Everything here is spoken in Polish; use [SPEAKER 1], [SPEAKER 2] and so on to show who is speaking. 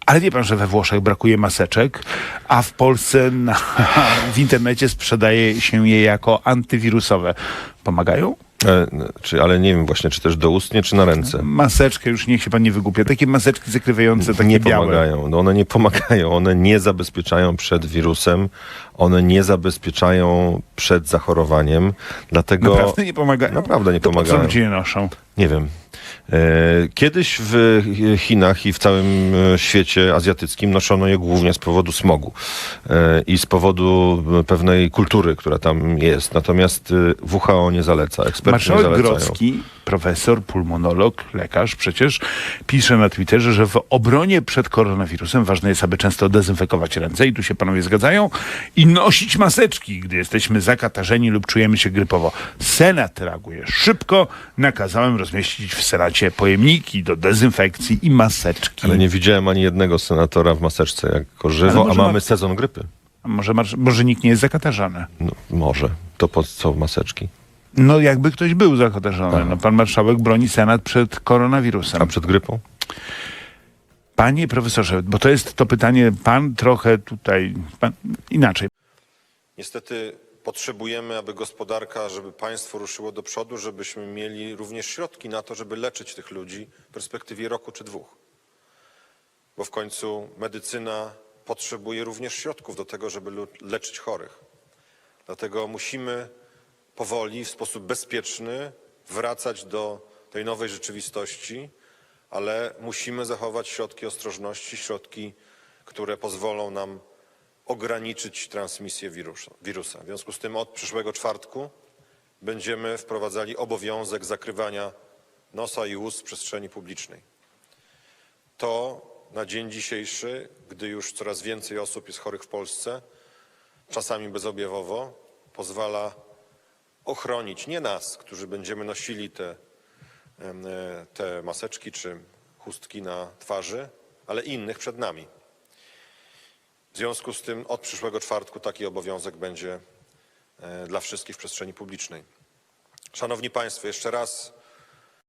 [SPEAKER 1] Ale wie pan, że we Włoszech brakuje maseczek, a w Polsce w internecie sprzedaje się je jako antywirusowe. Pomagają?
[SPEAKER 2] Ale nie wiem właśnie, czy też doustnie, czy na ręce.
[SPEAKER 1] Maseczkę, już niech się pan nie wygłupia. Takie maseczki zakrywające, takie
[SPEAKER 2] Nie
[SPEAKER 1] białe.
[SPEAKER 2] pomagają. No one nie pomagają. One nie zabezpieczają przed wirusem. One nie zabezpieczają przed zachorowaniem. Dlatego
[SPEAKER 1] Naprawdę nie pomagają?
[SPEAKER 2] Naprawdę nie
[SPEAKER 1] To po co
[SPEAKER 2] pomagają.
[SPEAKER 1] ludzie je noszą?
[SPEAKER 2] Nie wiem. Kiedyś w Chinach i w całym świecie azjatyckim noszono je głównie z powodu smogu i z powodu pewnej kultury, która tam jest. Natomiast WHO nie zaleca, eksperci nie
[SPEAKER 1] Marszałek
[SPEAKER 2] zalecają.
[SPEAKER 1] Grodzki, profesor, pulmonolog, lekarz przecież, pisze na Twitterze, że w obronie przed koronawirusem ważne jest, aby często dezynfekować ręce, i tu się panowie zgadzają, i nosić maseczki, gdy jesteśmy zakatarzeni lub czujemy się grypowo. Senat reaguje szybko. Nakazałem rozmieścić w Senacie pojemniki do dezynfekcji i maseczki.
[SPEAKER 2] Ale nie widziałem ani jednego senatora w maseczce jako żywo, a
[SPEAKER 1] może
[SPEAKER 2] mamy sezon grypy.
[SPEAKER 1] A może nikt nie jest zakatarzany?
[SPEAKER 2] No, może. To po co maseczki?
[SPEAKER 1] No jakby ktoś był zakatarzony. No, pan marszałek broni Senat przed koronawirusem.
[SPEAKER 2] A przed grypą?
[SPEAKER 1] Panie profesorze, bo to jest to pytanie, pan trochę tutaj inaczej.
[SPEAKER 3] Niestety potrzebujemy, aby gospodarka, żeby państwo ruszyło do przodu, żebyśmy mieli również środki na to, żeby leczyć tych ludzi w perspektywie roku czy dwóch. Bo w końcu medycyna potrzebuje również środków do tego, żeby leczyć chorych. Dlatego musimy powoli, w sposób bezpieczny wracać do tej nowej rzeczywistości, ale musimy zachować środki ostrożności, środki, które pozwolą nam ograniczyć transmisję wirusa. W związku z tym od przyszłego czwartku będziemy wprowadzali obowiązek zakrywania nosa i ust w przestrzeni publicznej. To na dzień dzisiejszy, gdy już coraz więcej osób jest chorych w Polsce, czasami bezobjawowo, pozwala ochronić nie nas, którzy będziemy nosili te maseczki czy chustki na twarzy, ale innych przed nami. W związku z tym od przyszłego czwartku taki obowiązek będzie dla wszystkich w przestrzeni publicznej. Szanowni Państwo, jeszcze raz